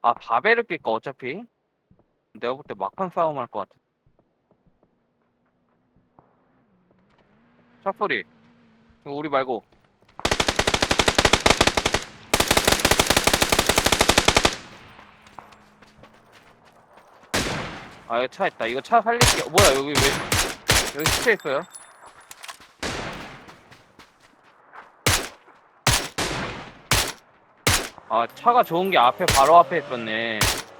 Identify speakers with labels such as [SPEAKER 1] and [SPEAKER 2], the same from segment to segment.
[SPEAKER 1] 아, 바벨을 낄까, 어차피? 내가 볼 때 막판 싸움 할 것 같아. 차 소리. 이거 우리 말고. 아, 여기 차 있다. 이거 차 살릴게. 뭐야, 여기 시체 있어요? 아, 차가 좋은 게 앞에, 바로 앞에 있었네.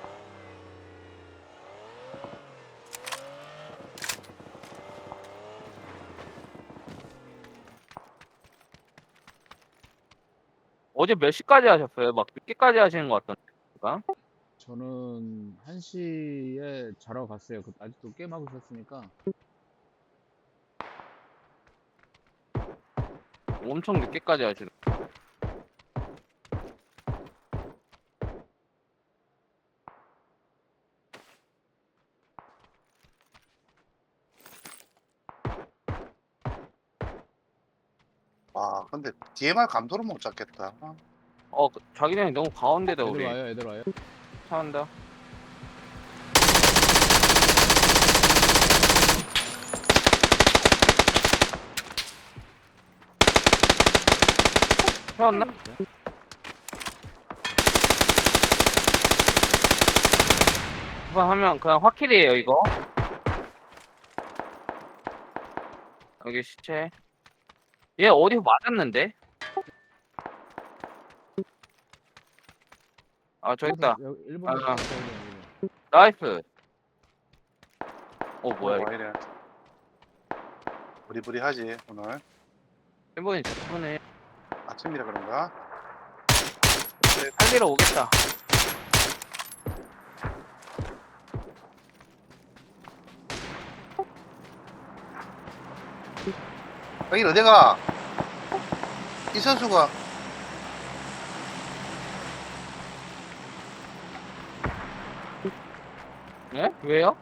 [SPEAKER 1] 어제 몇 시까지 하셨어요? 막 늦게까지 하시는 것 같던데.
[SPEAKER 2] 저는 1시에 자러 갔어요. 아직도 게임하고 있었으니까.
[SPEAKER 1] 엄청 늦게까지 하시는.
[SPEAKER 3] 와, 근데 DMR 감도를 못 잡겠다.
[SPEAKER 1] 자기장이 너무 가운데다,
[SPEAKER 2] 애들
[SPEAKER 1] 우리.
[SPEAKER 2] 와요, 애들 와요.
[SPEAKER 1] 차 한다. 세웠나? 한번 하면 그냥 확킬이에요, 이거. 여기 시체. 얘 어디서 맞았는데? 아, 저기 있다.
[SPEAKER 2] 일본에서
[SPEAKER 1] 아,
[SPEAKER 2] 왔어요, 일본.
[SPEAKER 1] 나이스. 뭐야,
[SPEAKER 3] 와, 이래. 부리부리하지, 오늘.
[SPEAKER 1] 일본이 좋네.
[SPEAKER 3] 아침이라 그런가?
[SPEAKER 1] 살리러 오겠다.
[SPEAKER 3] 여기 어디가? 이 선수가,
[SPEAKER 1] 예? 왜요?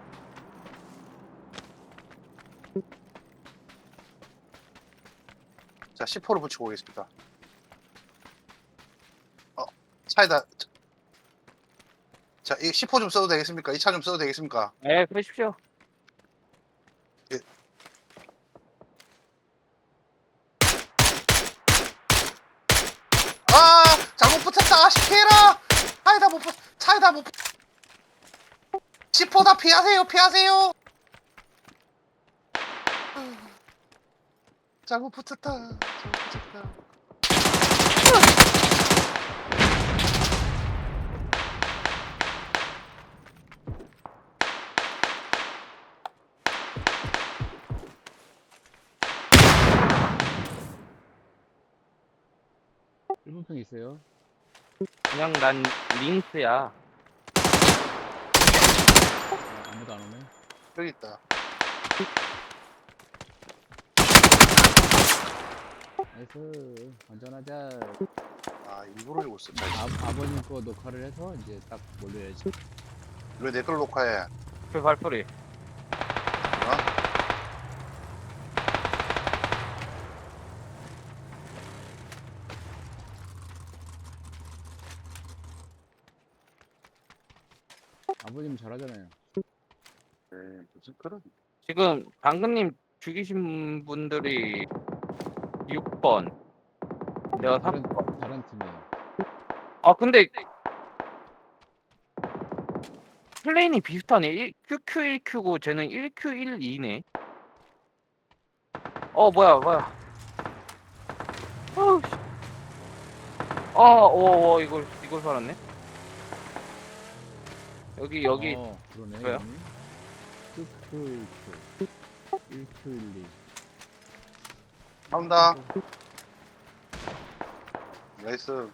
[SPEAKER 3] 자, 10호를 붙이고 오겠습니다. 차에다, 자, 이 10호 좀 써도 되겠습니까? 이 차 좀 써도 되겠습니까?
[SPEAKER 1] 예, 그러십시오.
[SPEAKER 3] 예. 아, 잘못 붙였다. 피해라. 차에다 못 붙, 차에다 못 붙. 10호다 피하세요, 피하세요. 잘못 붙였다. 잘못 붙였다.
[SPEAKER 2] 일본 편 있어요.
[SPEAKER 1] 그냥 난 링스야.
[SPEAKER 2] 아무도 안 오네.
[SPEAKER 3] 여기 있다.
[SPEAKER 2] 나이스. 안전하자.
[SPEAKER 3] 아, 일부러 이러고 있어. 자,
[SPEAKER 2] 아버님 거 녹화를 해서 이제 딱 몰려야지.
[SPEAKER 3] 왜 내 걸 녹화해?
[SPEAKER 1] 그 발소리.
[SPEAKER 3] 어?
[SPEAKER 2] 아버님 잘하잖아요.
[SPEAKER 3] 무슨 그런.
[SPEAKER 1] 지금 당근님 죽이신 분들이 6번. 내가
[SPEAKER 2] 다른 팀이에요.
[SPEAKER 1] 아, 근데 플레인이 비슷하네. QQ1Q고 쟤는 1Q12네. 뭐야. 어우, 씨. 이걸 살았네. 여기.
[SPEAKER 2] 그러네.
[SPEAKER 1] 왜요?
[SPEAKER 2] 이름이. 큐큐 1Q12.
[SPEAKER 3] 나온다. 나이스.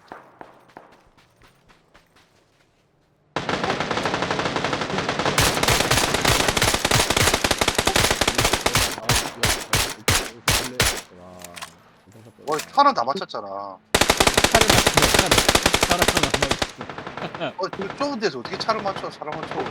[SPEAKER 3] 차는 다 맞췄잖아.
[SPEAKER 2] 차를 맞추면 차를 하나 맞추.
[SPEAKER 3] 그 좁은 데서 어떻게 차를 맞춰? 사람 맞춰.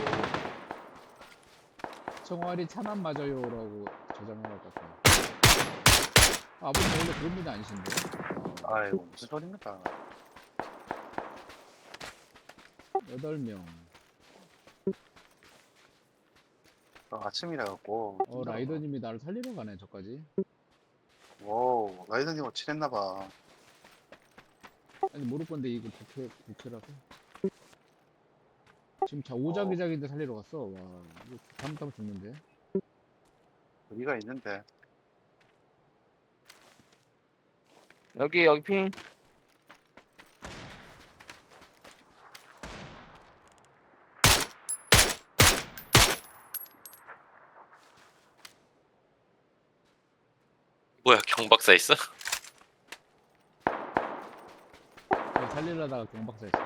[SPEAKER 2] 총알이 차만 맞아요라고 저장한 것 같아요. 아버님 원래 그런 분이 아니신데?
[SPEAKER 3] 아이고, 무슨 소리입니까?
[SPEAKER 2] 8명.
[SPEAKER 3] 아침이라 갖고.
[SPEAKER 2] 라이더님이 나를 살리러 가네 저까지.
[SPEAKER 3] 오, 라이더님하고 친했나봐.
[SPEAKER 2] 아니 모를 건데 이거 부캐라서. 지금 오자기자기인데 살리러 갔어. 와 이거 잘못하면 죽는데.
[SPEAKER 3] 여기가 있는데.
[SPEAKER 1] 여기 핑.
[SPEAKER 4] 뭐야 경박사 있어?
[SPEAKER 2] 내가 살리려다가 경박사 했어.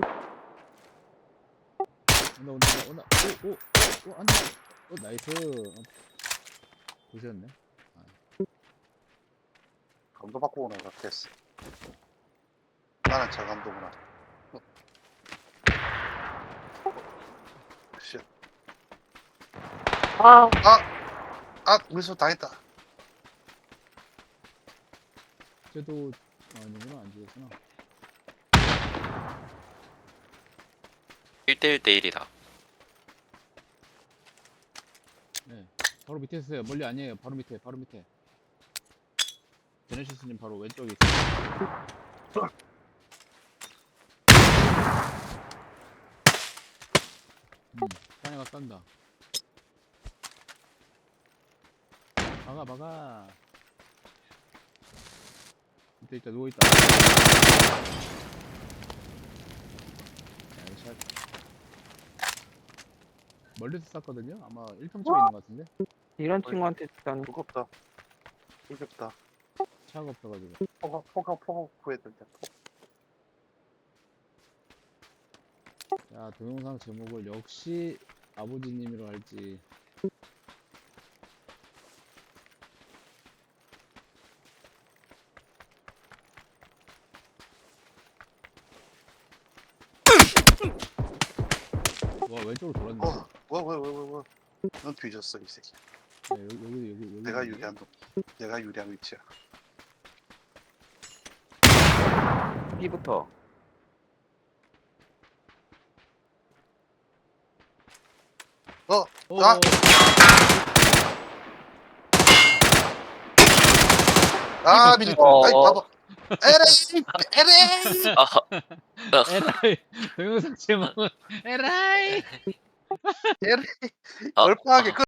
[SPEAKER 2] 온다. 안돼. 나이스. 보셨네.
[SPEAKER 3] 감도 받고 오는 것 같았어. 나는 저 감도구나. 쉣.
[SPEAKER 1] 아,
[SPEAKER 3] 우리서 다 했다.
[SPEAKER 2] 쟤도 아니구나 안 죽였구나.
[SPEAKER 4] 1대1 대1이다.
[SPEAKER 2] 네. 바로 밑에 있어요. 멀리 아니에요. 바로 밑에. 제네시스님 바로 왼쪽에 있어요. 사내가 싼다. 막아. 밑에 있다, 누워있다. 나이샷. 멀리서 쐈거든요? 아마 1평집에 있는 것 같은데?
[SPEAKER 1] 이런 친구한테 일단
[SPEAKER 3] 무겁다. 무겁다.
[SPEAKER 2] 차가 없어가지고.
[SPEAKER 3] 포가 구해야 된다.
[SPEAKER 2] 자, 동영상 제목을 역시 아버지님이로 할지. 와, 왼쪽으로 돌았네.
[SPEAKER 3] 뭐. 넌 뒤졌어, 이 새끼.
[SPEAKER 2] 네, 여기.
[SPEAKER 3] 내가 유리한 위치야.
[SPEAKER 1] B부터.
[SPEAKER 2] 어,
[SPEAKER 3] 미쳤다.
[SPEAKER 1] 어,
[SPEAKER 3] 아이,
[SPEAKER 1] 어.
[SPEAKER 3] 봐봐. 에레이!
[SPEAKER 4] 아,
[SPEAKER 2] 에라이. 동영상 제목은 에라이.
[SPEAKER 3] 에레이!
[SPEAKER 4] 아,
[SPEAKER 3] 얼빠하게